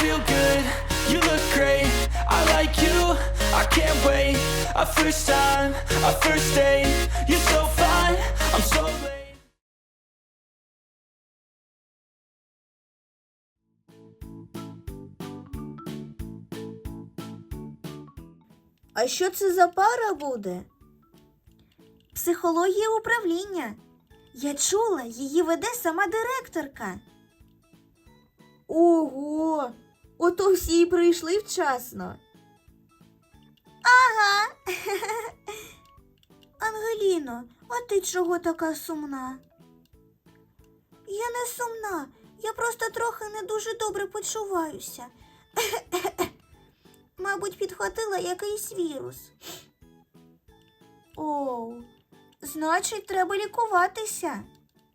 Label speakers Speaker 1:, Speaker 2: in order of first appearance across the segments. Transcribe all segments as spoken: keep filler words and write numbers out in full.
Speaker 1: feel good, you look great, I like you, I can't wait. Our first time, our first date, you're so fine, I'm so late.
Speaker 2: А що це за пара буде? Психологія управління. Я чула, її веде сама директорка. Ого! Ото всі й прийшли вчасно. Ага. Ангеліно, а ти чого така сумна? Я не сумна, я просто трохи не дуже добре почуваюся. Мабуть, підхватила якийсь вірус. Оу, значить, треба лікуватися.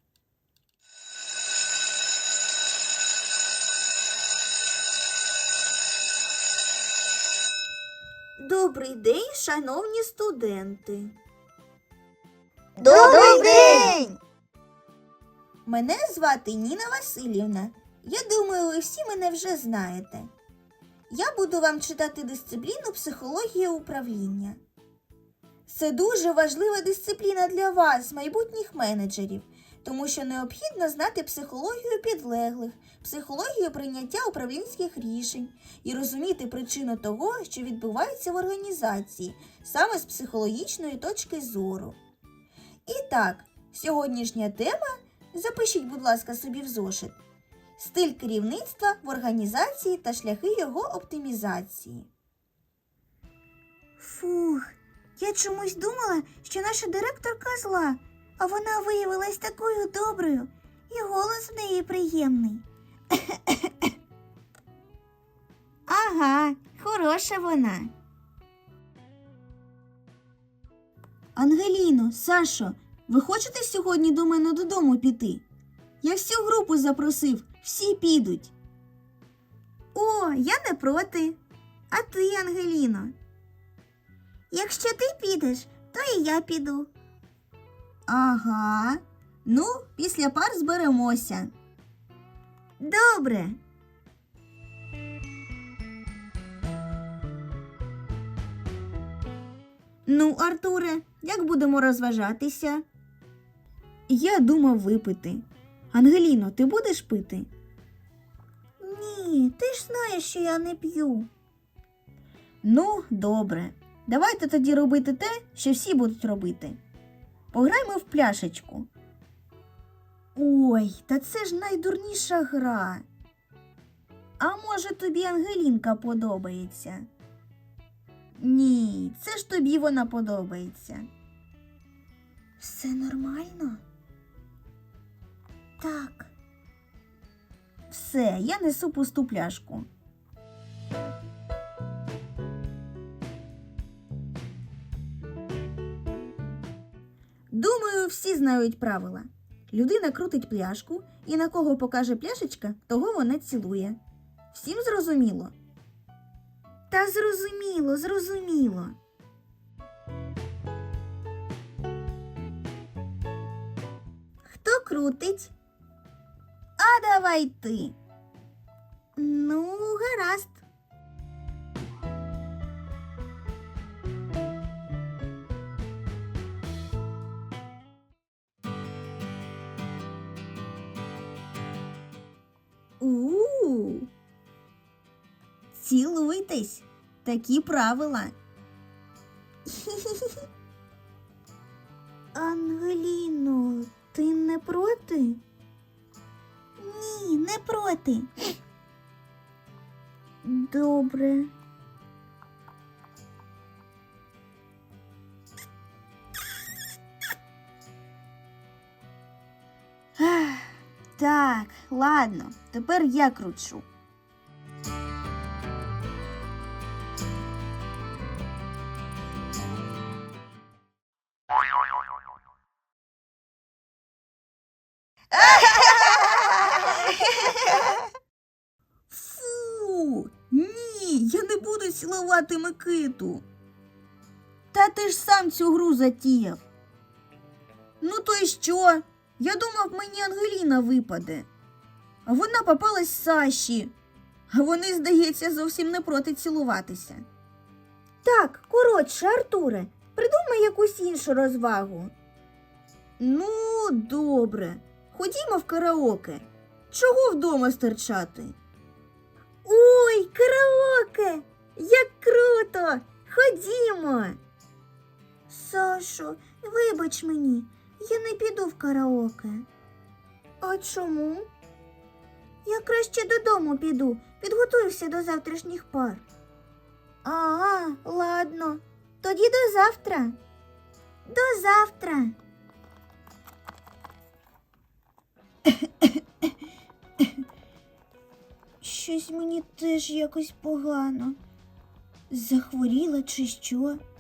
Speaker 2: Добрий день, шановні студенти.
Speaker 3: Добрий день!
Speaker 2: Мене звати Ніна Васильівна. Я думаю, ви всі мене вже знаєте. Я буду вам читати дисципліну психологія управління. Це дуже важлива дисципліна для вас, майбутніх менеджерів, тому що необхідно знати психологію підлеглих, психологію прийняття управлінських рішень і розуміти причину того, що відбувається в організації, саме з психологічної точки зору. І так, сьогоднішня тема, запишіть, будь ласка, собі в зошит, стиль керівництва в організації та шляхи його оптимізації. Фух, я чомусь думала, що наша директорка зла, а вона виявилась такою доброю, і голос в неї приємний. Ага, хороша вона. Ангеліно, Сашо, ви хочете сьогодні до мене додому піти? Я всю групу запросив, всі підуть. О, я не проти. А ти, Ангеліно? Якщо ти підеш, то і я піду. Ага. Ну, після пар зберемося. Добре. Ну, Артуре, як будемо розважатися? Я думав випити. Ангеліно, ти будеш пити? Ні, ти ж знаєш, що я не п'ю. Ну, добре. Давайте тоді робити те, що всі будуть робити. Пограймо в пляшечку. Ой, та це ж найдурніша гра. А може тобі Ангелінка подобається? Ні, це ж тобі вона подобається. Все нормально? Так. Все, я несу пусту пляшку. Думаю, всі знають правила. Людина крутить пляшку, і на кого покаже пляшечка, того вона цілує. Всім зрозуміло? Та зрозуміло, зрозуміло. Хто крутить? А давай ти. Ну, гаразд. У-у-у. Цілуйтесь. Такі правила. Ангеліно, ти не проти? Ні, не проти. Добре. Так, ладно, тепер я кручу. Фу, ні, я не буду цілувати Микиту. Та ти ж сам цю гру затіяв. Ну то й що? Я думав, мені Ангеліна випаде. А вона попалась Саші. Вони, здається, зовсім не проти цілуватися. Так, коротше, Артуре, придумай якусь іншу розвагу. Ну, добре. Ходімо в караоке. Чого вдома стерчати? Ой, караоке! Як круто! Ходімо! Сашо, вибач мені, я не піду в караоке. А чому? Я краще додому піду, підготуюся до завтрашніх пар. А, ладно. Тоді до завтра. До завтра. Щось мені теж якось погано. Захворіла чи що?